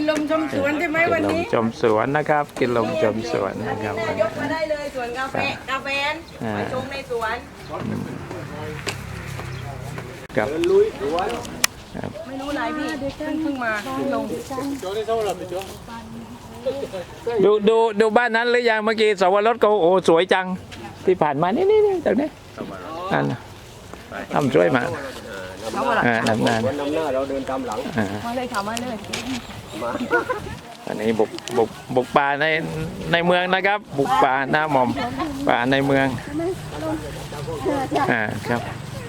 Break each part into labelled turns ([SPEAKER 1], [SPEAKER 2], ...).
[SPEAKER 1] ลมชมสวนใช่ไหมวันนี้
[SPEAKER 2] กินลมชมสวนนะครับกินลมชมสวนนะครับ
[SPEAKER 3] ยกมาได้เลยสวนกาแฟไปชมในสวน
[SPEAKER 2] ครับ
[SPEAKER 3] ไม่รู้อะไรพี่เพิ่งมาลง
[SPEAKER 2] ดูบ้านนั้นหรือยังเมื่อกี้สวรสก็โอ้สวยจังที่ผ่านมานี่ตรงนี้นั่นทำช่วยมานำหน้า
[SPEAKER 4] เราเดินตามหลัง
[SPEAKER 3] มาเลยค่ะมาเลย
[SPEAKER 2] อันนี้บุกป่าในเมืองนะครับบุกป่าหน้าหม่อมป่าในเมืองครับ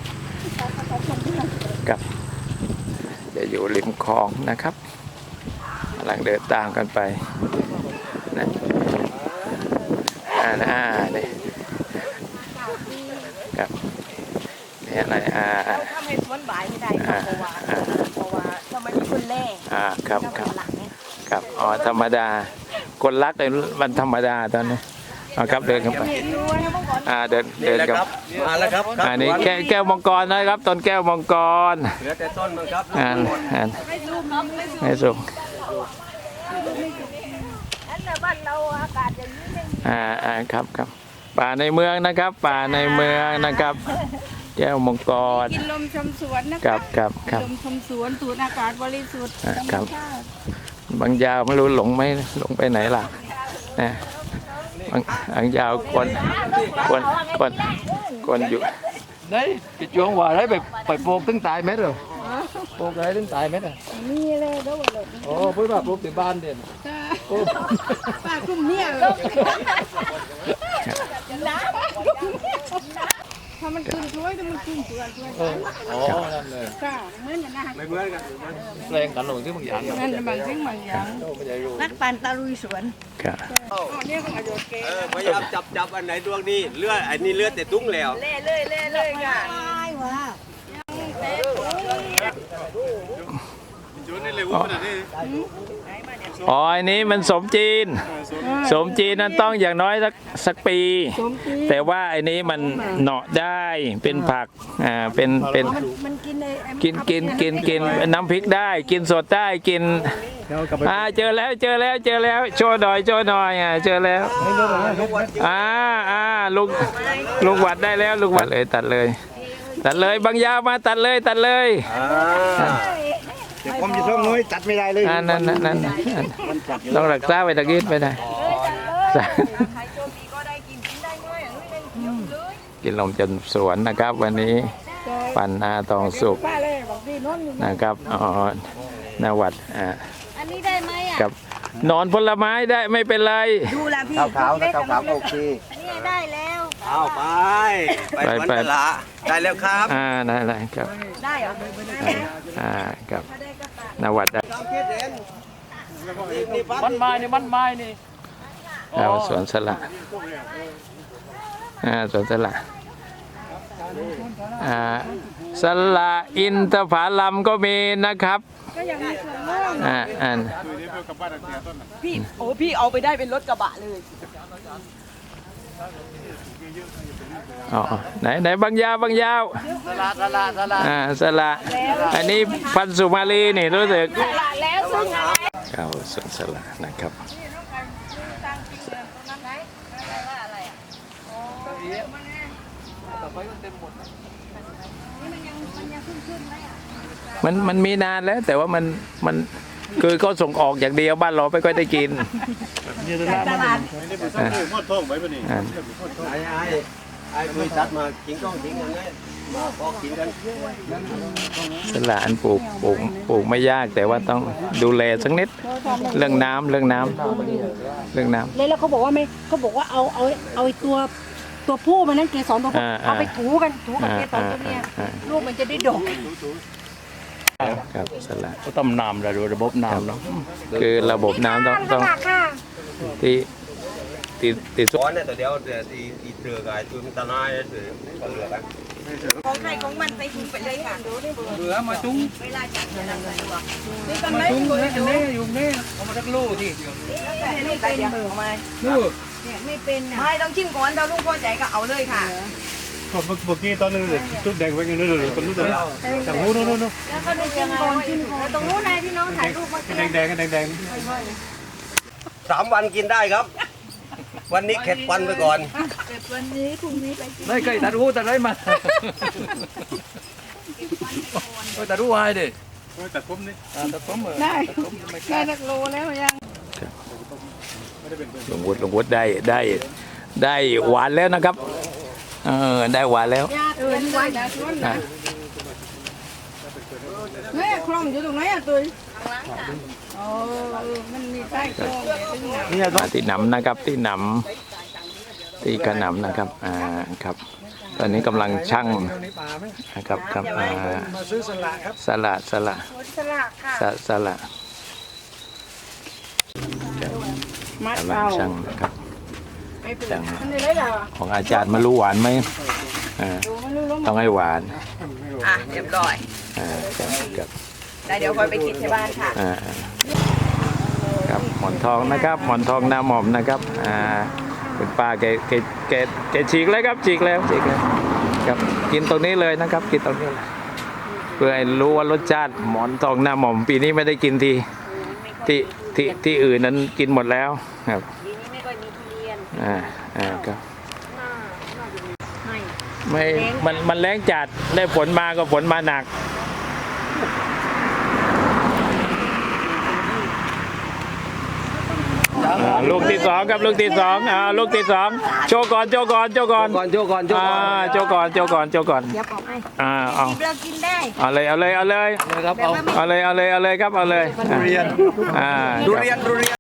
[SPEAKER 2] กับจะอยู่ริมคลองนะครับกำลังเดินตามกันไปนะนี่ครับนี่อะไร
[SPEAKER 3] ถ้าไม่สวนบ่ายไม่ได้เพราะว่าถ้ามันมีคนแร่
[SPEAKER 2] ครับอ๋อธรรมดาคนรักเลยมันธรรมดาตอนนี้ครับเดินกันไปเดินครับ
[SPEAKER 4] มาแล้วครับ
[SPEAKER 2] อันนี้แก้วมังกรนะครับต้นแก้วมังกร
[SPEAKER 4] เหลือแต่ต้นมั้งครับ
[SPEAKER 2] ไม่สูง
[SPEAKER 3] บ้านเราอากาศอย่างนี้
[SPEAKER 2] ครับป่าในเมืองนะครับป่าในเมืองนะครับแก้วมังกร
[SPEAKER 1] กินลมชมสวนนะครับลมชมสวนสูดอากาศบริสุทธิ์
[SPEAKER 2] ครับบางยาวไม่รู้หลงไปไหนล่ะนะบางยาวคนอยู่
[SPEAKER 4] đấy cái chuyện hòa đấy phải buộc tính tài mấy rồi buộc đấy tính tài mấy rồi với bà buộc từ ban tiền
[SPEAKER 1] bà cùng nhiều ถ้ามันขึ้นช่วยถ้ามันขึ้นเปลือกช่วย
[SPEAKER 4] นั่นเลย
[SPEAKER 1] ค่ะเหมือนกันนะ
[SPEAKER 4] ไม่เหมือนกันแรงกันหลงที่บางอย่าง
[SPEAKER 1] นั่นบางสิ่งบางอย่าง
[SPEAKER 3] นักปั่นตะลุยสวน
[SPEAKER 2] ครับ
[SPEAKER 1] นี่เขาอายุเก๋
[SPEAKER 4] พยายามจับอันไหนดวงนี้เลือดอันนี้เลือดแต่ตุ้งแล้ว
[SPEAKER 3] เล่ค่ะ
[SPEAKER 2] อ๋ออันนี้มันสมจีนนั้นต้องอย่างน้อยสักปีแต่ว่าไอ้นี้มันเหนาะได้เป็นผักเป็นกินน้ำพริกได้กินสดได้กินเจอแล้วโชว์หน่อยเจอแล้วลุงวัดได้แล้วลุงวัดเลยตัดเลยบางยาวมาตัดเลย
[SPEAKER 4] เดี๋ยวผมจะส่งน้อยตัดไม่ได้เลย
[SPEAKER 2] นั่นต้องรักษาไว้ตะกี้ไม่ได้กินลมจนสวนนะครับวันนี้ปันนาทองสุกนะครับนวัด
[SPEAKER 3] อันนี้ได้ไหม
[SPEAKER 2] กับนอนผลไม้ได้ไม่เป็นไร
[SPEAKER 3] ดูแลพี่
[SPEAKER 4] ขาวโอเค
[SPEAKER 3] อันนี้ได้แล้ว
[SPEAKER 4] เอาไปละได้แล้วครับ
[SPEAKER 2] ได้ครับ
[SPEAKER 3] ได้เหรอ
[SPEAKER 2] ครับนวัดได้
[SPEAKER 4] มันไม้นี่
[SPEAKER 2] เราสวนสละสวนสละสละอินทผลัมก็มีนะครับ
[SPEAKER 1] ก็ยังมีส่วนร่วม
[SPEAKER 3] พี่เอาไปได้เป็นรถกระบะเลย
[SPEAKER 2] ไหนบางยาวสละอันนี้พันสุมาลีนี่รู้สึกเข้าสวนสละนะครับมันมีนานแล้วแต่ว่ามันคือเขาส่งออกอย่างเดียวบ้านเราไม่ค่อยได้กิน
[SPEAKER 3] ตลาด
[SPEAKER 4] ไอ้บริษัทมากินก้องกินกันเลยพอกินกัน
[SPEAKER 2] สละอันปลูกไม่ยากแต่ว่าต้องดูแลสักนิดเรื่องน้ำ
[SPEAKER 1] แล้วเขาบอกว่าไม่เขาบอกว่าเอาตัวผู้มันนั่นเกสรตัวผู้เอาไปถูกับเกสรตัวเมียลูกมันจะได้ดก
[SPEAKER 2] ครับสละ
[SPEAKER 4] ก็ต้องน้ำระบบน้ำเนาะ
[SPEAKER 2] คือระบบน้ำต้องตี
[SPEAKER 4] ซ้อนเนี่ยแต่เดี๋ยวตีเตือกายตัวมันตะนายเตือเหลือกัน
[SPEAKER 3] ของใครของมันไปถุงไปเลยค่ะ
[SPEAKER 4] เหลือมาจุ้ง
[SPEAKER 3] เวลาจัดงานอะไรวะนี่ก็
[SPEAKER 4] ไม่อยู่นี่เอามาสักลูกที่
[SPEAKER 3] ไม่เป็นเบอร์มาลูกเนี่ยไม่เป็นไม่ต้องชิมก่อนเราลูกพอใจก็เอาเลยค่ะ
[SPEAKER 5] ผมเมื่อกี้ตอนนึงเลยชุดแดงไว้ยังนึกเลยคนนู้นเลยจากนู้นนู้น
[SPEAKER 3] แล้วก็ดูกินก่อนแล้วตรงนู้นนายพี่น้องถ่ายรูปมา
[SPEAKER 5] แดงแดงแดงแดง
[SPEAKER 6] 3 วันกินได้ครับ วันนี้เข็ดวันไปก่อน
[SPEAKER 3] เก็บวันนี้พรุ่งนี้ไปกิน
[SPEAKER 4] ไม่เคยตัดหูตัดไรมาตัดหูให้ดิ
[SPEAKER 5] แต่ผมนี่
[SPEAKER 4] ตัดผมเหรอ
[SPEAKER 3] ได้ได้สักโลแล้วยัง
[SPEAKER 2] ลุงวุฒิได้หวานแล้วนะครับได้หวานแล้ว
[SPEAKER 3] นี่ไว้นะชวนนะเนี่ยคลองอยู่ตรงไหนอ่ะตุ้ยอ๋อมันมีใต้คลองเนี่ยถึงไหน
[SPEAKER 2] ที่หนำนะครับที่หนำที่กระหนำนะครับครับ ตอนนี้กำลังชั่งนะครับครับ
[SPEAKER 5] มาซื้อสละครับ
[SPEAKER 2] สละ
[SPEAKER 3] สลากค่ะ
[SPEAKER 2] สละ
[SPEAKER 3] มัด
[SPEAKER 2] กำลัง
[SPEAKER 3] เอา
[SPEAKER 2] ชั่งนะครับ
[SPEAKER 3] ไม่เป็น
[SPEAKER 2] ชั่ง
[SPEAKER 3] มันได้เหรอ
[SPEAKER 2] ของอาจารย์มารู้หวานไหม
[SPEAKER 3] ดูมันรู้
[SPEAKER 2] ต้องให้หวาน
[SPEAKER 3] อ่ะเรียบร้อย
[SPEAKER 2] ครับ
[SPEAKER 3] ได้เดี๋ยวคอยไปกินที่บ้านค่ะ
[SPEAKER 2] ครับหมอนทองนะครับหมอนทองหน้าหม่อมนะครับคุณป้าแกฉีกแล้วครับฉีกแล้วครับกินตรงนี้เลยนะครับกินตรงนี้เลยเพื่อให้รู้ว่ารสชาติหมอนทองหน้าหม่อมปีนี้ไม่ได้กินที่อื่นนั้นกินหมดแล้วครับ
[SPEAKER 3] ทีนี้ไม่ค่อยมีทุเรียน
[SPEAKER 2] ครับ
[SPEAKER 3] ไม่
[SPEAKER 2] มันแรงจัดได้ฝนมาก็ฝนมาหนักลูกที่สองครับลูกที่สองลูกที่สองโชว์ก่อน
[SPEAKER 6] โจก่อน
[SPEAKER 2] โชว์ก่อน
[SPEAKER 3] เดี๋ยวบอกให้
[SPEAKER 2] เอา
[SPEAKER 3] เรากินได้
[SPEAKER 2] เอาเลย
[SPEAKER 4] นะครับเอา
[SPEAKER 2] เอาเลยครับเอาเลย
[SPEAKER 4] ทุเรียน
[SPEAKER 2] ครับ
[SPEAKER 6] ดูเรียน